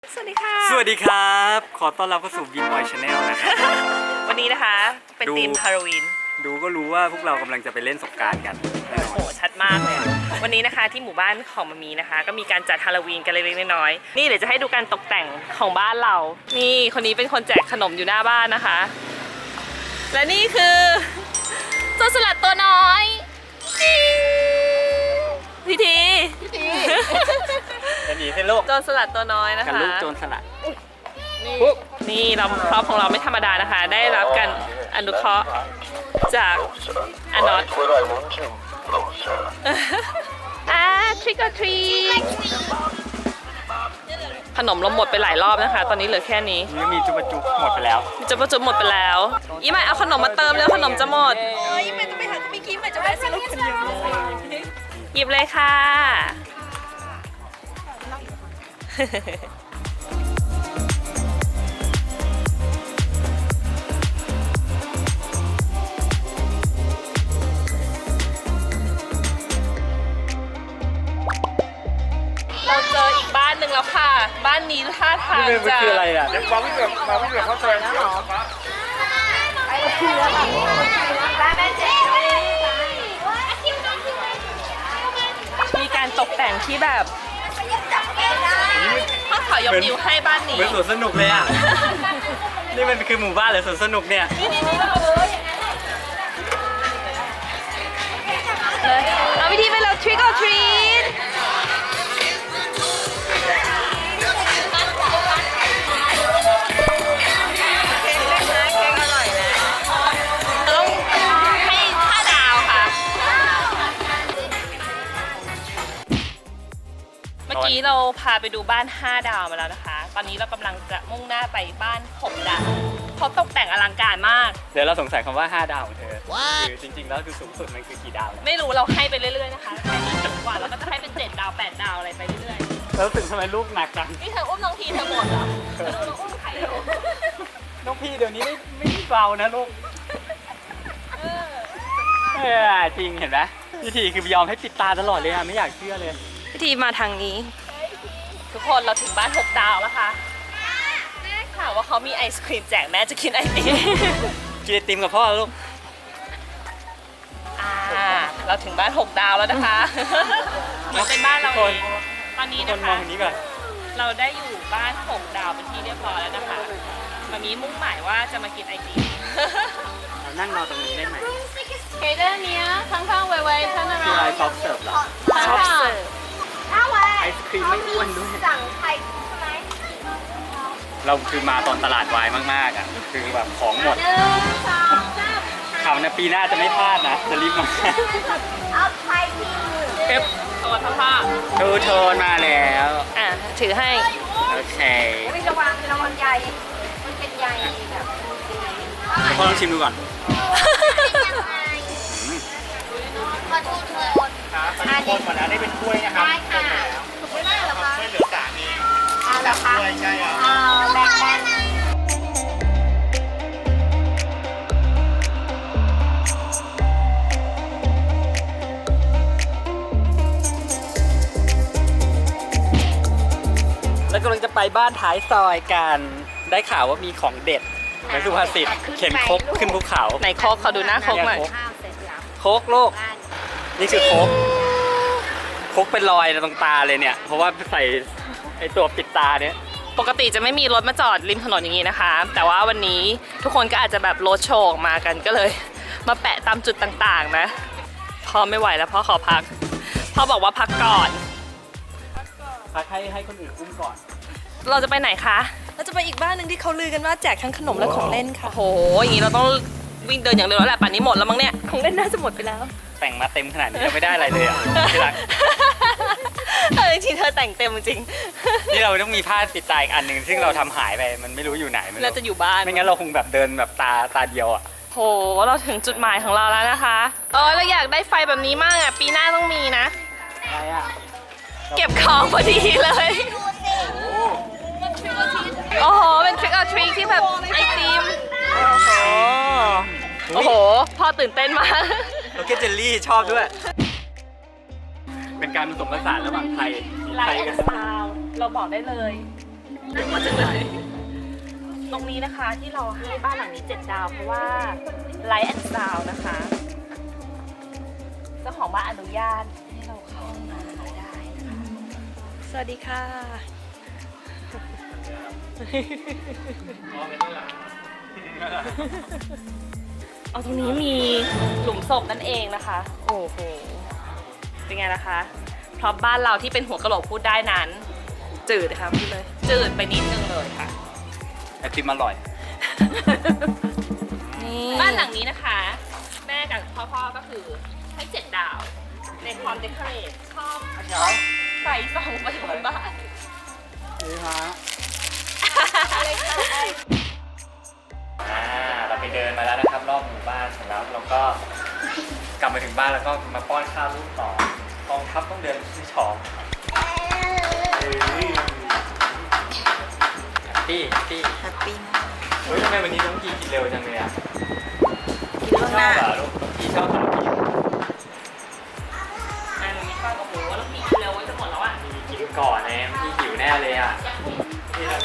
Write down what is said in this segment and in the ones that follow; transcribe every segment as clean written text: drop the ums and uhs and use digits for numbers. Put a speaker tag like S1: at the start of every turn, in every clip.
S1: สวัสดีค่ะ
S2: สวัสดีครับขอต้อนรับเข้าสู่บีบอยชาแนลนะครับ
S1: วันนี้นะคะเป็นธีมฮาโลวีน
S2: ดูก็รู้ว่าพวกเรากำลังจะไปเล่นสงกรานต์กันแน่นอ
S1: โอ้
S2: น
S1: โหชัดมากเลยอะวันนี้นะคะที่หมู่บ้านของมามีนะคะ ก็มีการจัดฮาโลวีนกันเล็กๆน้อยๆนี่เดี๋ยวจะให้ดูการตกแต่งของบ้านเรา นี่คนนี้เป็นคนแจกขนมอยู่หน้าบ้านนะคะ และนี่คือโจรสลัดตัวน้อยจิ๊งพี่ที
S2: จะหนีให้โลก
S1: โจรสลัดตัวน้อยนะ
S2: กัน
S1: คะ
S2: ลูกโจรสลัด
S1: นี่เราครอบของเราไม่ธรรมดานะคะ ได้รับการอนุเคราะห์จากอนอตtrick or treat ขนมเราหมดไปหลายรอบนะคะ ตอนนี้เหลือแค่นี้
S2: นี่มีจุบจุบหมดไปแล้ว
S1: จะประจุหมดไปแล้วอีใหม่เอาขนมมาเติมแล้วขนมจะหมด
S3: ยี่เป็นต้องไปหาคุณมิกกี้ใหม่จะแวะซื้อลูกคนเดียว
S1: หยิบเลยค่ะ เราเจออีกบ้านหนึ่งแล้วค่ะ บ้านนี้ท่าทาง
S2: นี่มัน
S1: จะ
S2: คืออะไรอ่ะ
S4: มาวิ่งแบบเข้าใจนะหรอ
S1: มีการตกแต่งที่แบบถ้าขอยกนิ้วให้บ้านนี้
S2: เหมือนสวนสนุกเลยอ่ะ นี่มันคือหมู่บ้านหรือสวนสนุกเนี่ย
S1: เอาวิธีไปเรา trick or treat ต้องให้5 ดาวค่ะ เมื่อกี้เราพาไปดูบ้าน 5 ดาวมาแล้วนะคะ ตอนนี้เรากำลังจะมุ่งหน้าไปบ้าน 6 ดาวเขาตกแต่งอลังการมาก
S2: เดี๋ยวเราสงสัยคำว่า 5 ดาวของเธอคือจริงๆแล้วคือสูงสุดมันคือกี่ดาวเนี่ย
S1: ไม่รู้เราให้ไปเรื่อยๆนะคะใครที่สูงกว่าเราก็จะให้เป็น7 ดาว 8 ดาวอะไรไปเรื่อย
S2: แล้วรู้สึกทำไมลูกหนักจัง
S1: ๆ นี่เธออุ้มน้องทีเธอหมดเหรอเธออุ้มใครอยู่
S2: น้องพี่เดี๋ยวนี้ไม่เบานะลูกจริงเห็นไหมวิธีคือยอมให้ปิดตาตลอดเลยอะไม่อยากเชื่อเลย
S1: พิธีมาทางนี้ ทุกคนเราถึงบ้าน 6 ดาวแล้วค่ะแม่ข่าวว่าเขามีไอศครีมแจกแม่จะกินไอติม
S2: กินไอติมกับพ่อลูก
S1: เราถึงบ้าน 6 ดาวแล้วนะคะมันเป็นบ้านเราเองตอนนี้
S2: ค
S1: นะ
S2: นมอ
S1: คะ
S2: งคนนี้ก่อน
S1: เราได้อยู่บ้าน 6 ดาวเป็นที่เรียบร้อยแล้วนะคะมามีมุ่งหมายว่าจะมากินไอติม
S2: เรานั่งรอตรงนี้ได้ไหม
S3: เคเดอร์เนี้ยข้างๆไวๆท่านอะไร
S2: คืออะไรซอฟต์เสิร์ฟเหรอ
S1: ชอบเสิร์ฟ
S2: ไอศครีมไม่อ้วนด้วย
S3: สั่งไข่ใช่ไหม
S2: เราคือมาตอนตลาดวายมากๆอ่ะ คือแบบของหมด
S3: 1 2 3
S2: ข่าวนะปีหน้าจะไม่พลาดนะ จะรีบมา
S3: เอาไข่พิมพ์
S2: เอฟ
S1: ตัวพ่อ
S2: ทูโทนมาแล้ว
S1: ถือให้
S2: โอเค
S3: ไม่ระวังระวังใหญ่มันเป็นใหญ่แบบ
S2: เดี๋ยวพ่อลองชิมดูก่อน
S3: ขอโทษทุกคน
S4: คนหมดแล้วได้เป็นถ้วยนะครับ
S3: ได้ค่ะไม่ได้หรอคะ
S4: ช่วยเหลือสามี
S3: เอาเหรอคะ
S4: ถ้วยใช่ครับ
S3: แบ่งกัน
S2: แล้วกำลังจะไปบ้านท้ายซอยกัน ได้ข่าวว่ามีของเด็ดเหมือนสุภาษิตเข็นครกขึ้นภูเขา
S1: ไหนโคกเขาดูหน้าโคกหน่อย
S3: ข้าวเสร็จแล้ว
S2: โคกโลก นี่คือโคกโคกเป็นรอยตรงตาเลยเนี่ย เพราะว่าใส่ไอตัวปิดตาเนี่ย
S1: ปกติจะไม่มีรถมาจอดริมถนนอย่างนี้นะคะ แต่ว่าวันนี้ทุกคนก็อาจจะแบบรถโชว์ออกมากันก็เลย มาแปะตามจุดต่างๆนะพ่อไม่ไหวแล้วพ่อขอพักพ่อบอกว่าพักก่อน
S2: พักให้คนอื่นอุ้มก่อน
S1: เราจะไปไหนคะ
S3: เราจะไปอีกบ้านหนึ่งที่เขาลือกันว่าแจกทั้งขนมและของเล่นค่ะ
S1: โอ้โหอย่างนี้เราต้องวิ่งเดินอย่างเร็วแล้วแหละป่านนี้หมดแล้วมั้งเนี่ย
S3: ของเล่นน่าจะหมดไปแล้ว
S2: แต่งมาเต็มขนาดนี้ยังไม่ได้อะไรเลยอ่ะที่รัก
S1: จริงๆเธอแต่งเต็มจริง
S2: นี่เราต้องมีผ้าปิดตาอีกอันหนึ่งซึ่งเราทำหายไปมันไม่รู้อยู่ไหนไม่รู้
S1: เราจะอยู่บ้าน
S2: ไม่งั้นเราคงแบบเดินแบบตาเดียวอ่ะ
S1: โหเราถึงจุดหมายของเราแล้วนะคะเราอยากได้ไฟแบบนี้มากอ่ะปีหน้าต้องมีนะ
S2: อะไรอ่ะ
S1: เก็บของพอดีเลย โอ้โห เป็น trick or treat ที่แบบไอติม โอ้โห พ่อตื่นเต้นมาก
S2: โอเคเจลลี่ชอบด้วย เป็นการผสมผสานระหว่างไทย
S1: ไล
S2: ไทย
S1: ท์
S2: กับ
S1: ซาวเราบอกได้เลยน่ากลัวจังเลยตรงนี้นะคะที่เราให้บ้านหลังนี้7 ดาวเพราะว่าไลท์แอนด์ซาวน์นะคะเจ้าของบ้านอนุญาตให้เราเข้ามาได้นะคะสวัสดีค่ะ เอาตรงนี้มีหลุมศพนั่นเองนะคะ โอ้โห เป็นไงล่ะคะเพราะบ้านเราที่เป็นหัวกะโหลกพูดได้นั้น จืดค่ะพูดเลย จืดไปนิดนึงเลยค่ะ
S2: ไอติมอร่อย
S1: บ้านหลังนี้นะคะ แม่กับพ่อก็คือให้7 ดาว ในความเดคอเรทชอบใส่ส่องไปบนบ้าน
S2: นี่ฮะ
S1: อะไรคะ
S2: เราไปเดินมาแล้วนะครับรอบหมู่บ้านเสร็จแล้วเราก็กลับมาถึงบ้านแล้วก็มาป้อนข้าวลูกต่อกองทัพต้องเดินที่ช้องแฮปปี้
S3: แฮปปี้มาก
S2: เฮ้ยทำไมวันนี้น้องกีกินเร็วจังเลยอ่ะ
S3: กินล่วงหน้า
S2: ชอบเหรอลูกน้องกีชอบขนมกี
S1: อ่าหนูมีข้าวกับหมูแล้วมีเร็วไว้จะหมดแล้วอ่ะ
S2: กินก่อนเลยพี่หิวแน่เลยอ่ะนี่เรา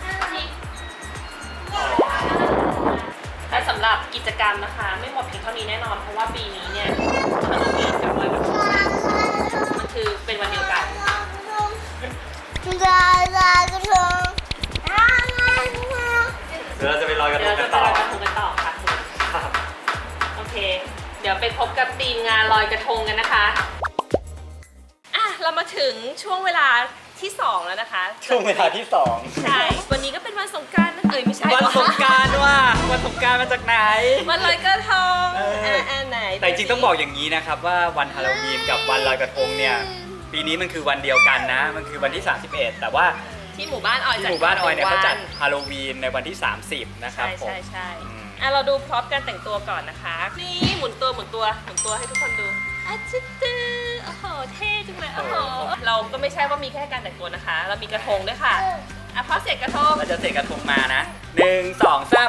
S1: แต่สำหรับกิจกรรมนะคะ ไม่หมดเพียงเท่านี้แน่นอน เพราะว่าปีนี้เนี่ยฮาโลวีนกับลอยกระทงมันคือเป็นวันเดียวกัน
S2: เดี๋ยวเราจะไปลอยกระท
S1: เดี๋ยว
S2: ง
S1: เรา
S2: กั
S1: จะ
S2: น
S1: ไป
S2: ต่อ
S1: ลอยกระทงกันต่อค่ะคุณโอเค เดี๋ยวไปพบกับทีมงานลอยกระทงกันนะคะอ่ะเรามาถึงช่วงเวลาที่ 2 แล้วนะคะ
S2: ช่วงเวลาที่สอง
S1: ใช่วันนี้ก็เป็นวันสงกรานต์นะไม่ใช่
S2: วันสงกรานต์ว่ะวันสงกรานต์มาจากไหน
S1: วันลอยกระทง
S2: เออ
S1: ไหน
S2: แต่จริงๆต้องบอกอย่างนี้นะครับว่าวันฮาโลวีนกับวันลอยกระทงเนี่ยปีนี้มันคือวันเดียวกันนะ มันคือวันที่ 31 แต่ว่า
S1: ที่หมู่บ้านออย
S2: ที่
S1: จัด
S2: หมู่บ้านออยเนี่ยเขาจัดฮาโลวีนในวันที่ 30 นะครับ
S1: ใช่
S2: ผม
S1: ใช่ใช่
S2: อืม
S1: อ่ะเราดูพร็อพการแต่งตัวก่อนนะคะนี่หมุนตัวให้ทุกคนดูอาชิตือโอ้โหเท่จังเลยโอ้โหเราก็ไม่ใช่ว่ามีแค่การแต่งตัวนะคะ เรามีกระทงด้วยค่ะอ่ะพอเสร็จกระทง
S2: เราจะเสกกระทงมานะ 1 2 3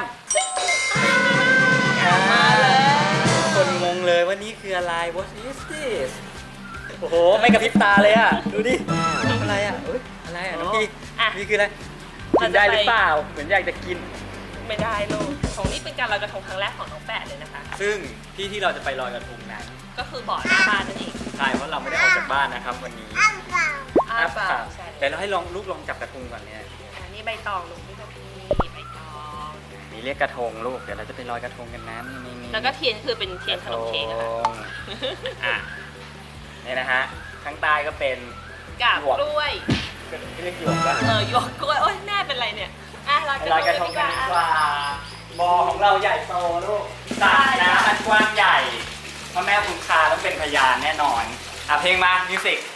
S1: มาเลย
S2: คนงงเลยว่านี่คืออะไร What is this โอ้โห ไม่กระพริบตาเลยอ่ะ ดูดิอะไรอ่ะเอ้ยอะไรอ่ะน้องพี่
S1: อ่ะ
S2: นี่คืออะไรกินได้หรือเปล่า เหมือนอยากจะกิน
S1: ไม่ได้ลูกของนี่เป็นการลอยกระทงครั้งแรกของน้องแปะเลยนะคะ
S2: ซึ่งที่เราจะไปลอยกระทงนั้น
S1: ก็คือบ่อหน้าบ้านนั่นเอง
S2: ใช่เพราะเราไม่ได้ออกจากบ้านนะครับวันนี้
S1: อ้าเปล่าใช่
S2: แต่เราให้ลูกลองจับกระทงก่อนเนี่ย
S1: อันนี้ใบตองลูกนี่ก็นี่ใบตอง
S2: นี่เรียกกระทงลูก เดี๋ยวเราจะไปลอยกระทงกันนะนี่
S1: แล้วก็เทียนคือเป็นเทียนขนมเค้กอะค่ะ
S2: อ่ะนี่นะฮะข้างใต้ก็เป็น
S1: กาบกล้วย
S2: เรียกหยวกป่ะ
S1: หยวกกล้วย โอ๊ยแม่เป็นไรเนี่ย อ่ะลอย
S2: ไปลอยกระทงกันดีกว่าบ่อของเราใหญ่โตลูกสระน้ำมันกว้างใหญ่พ่อแม่คุณคาต้องเป็นพยานแน่นอนอ่ะเพลงมามิวสิก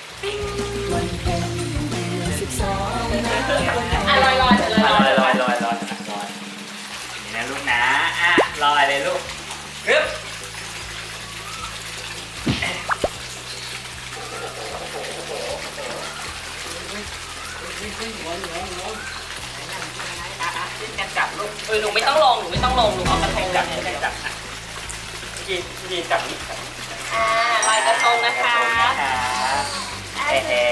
S1: อ่ะลอยลอยเถอะลอย
S2: ลอยนี่นะลูกนะอ่ะลอยเลยลูกฮึบกันจับลูก
S1: หนูไม่ต้องลงหนูเอากระทง
S2: จับ
S1: เลย
S2: จับพี่จับนี่
S1: อ่าลอยกระทงนะคะ
S2: เฮ้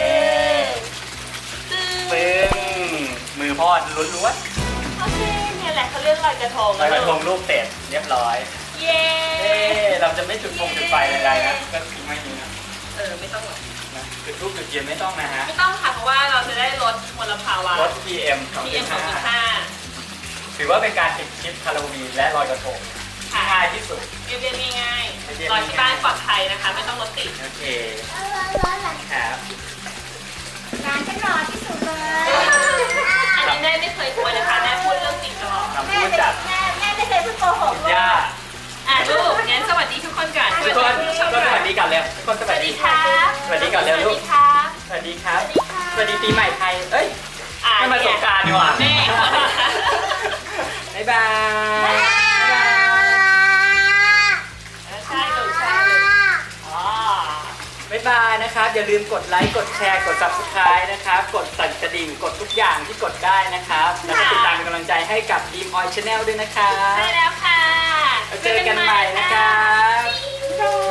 S2: ปึ้งมือพ่อล้วน
S1: โอเคเนี่ยแหละเขาเรียกลอยกระทง
S2: ๆลอยกระทงรูปเสร็จเรียบร้อย
S1: เย้
S2: เราจะไม่จุดไฟใดๆนะก็ทิ้งไว้นี้นะ
S1: ไม่ต้องหรอก
S2: จุดรูปจุดเทียนไม่ต้องนะฮะ
S1: ไม่ต้องค่ะเพราะว่าเราจะได้ลดมลภาวะ
S2: ลด PM
S1: PM
S2: 2.5 ถือว่าเป็นการติดคลิปฮาโลวีนและลอยกระทงที่ง่ายที่สุด
S1: เรียบๆง่ายๆลอยที่บ้านปลอดภัยนะคะ ไม่ต้องรถติด
S2: โอเคครับ
S3: ร้านฉันรอที่สุดเลย
S1: อันนี้แม่ไม่เคยกลัวนะคะแม่พูดเรื่องจริงตลอด
S2: คำพูดจาก
S3: แม่ไม่เคยพูดโกหก
S2: ย่า
S1: ลูกงั้นสวัสดีทุกคนก่อน
S2: ทุกคนก็สวัสดีกันเร็วทุกคนส
S1: ส
S2: วั
S1: วั
S2: ส
S1: ส
S2: ดี
S1: ดีค่ะ
S2: สวัสดีก่อนเร็ว
S1: ส
S2: ลู
S1: วัส
S2: ก
S1: ดีค่ะ
S2: สวัสดีครับ สวัสดีปีใหม่ไทย เอ้ยไม่มาสงกรานต์ดีกว่า
S1: แม่
S2: บ๊ายบาย
S1: ใช่ลูกใช่ลูกอ๋อ
S2: บ๊ายบายนะครับ อย่าลืมกดไลค์ กดแชร์ กด subscribe นะครับ กดสั่นกระดิ่ง กดทุกอย่างที่กดได้นะครับ แล้วก็ติดตามเป็นกำลังใจให้กับ Dream Oil Channel ด้วยนะครับ
S1: ใช่แล้วค่ะ
S2: แล้วเจอกันใหม่นะครับ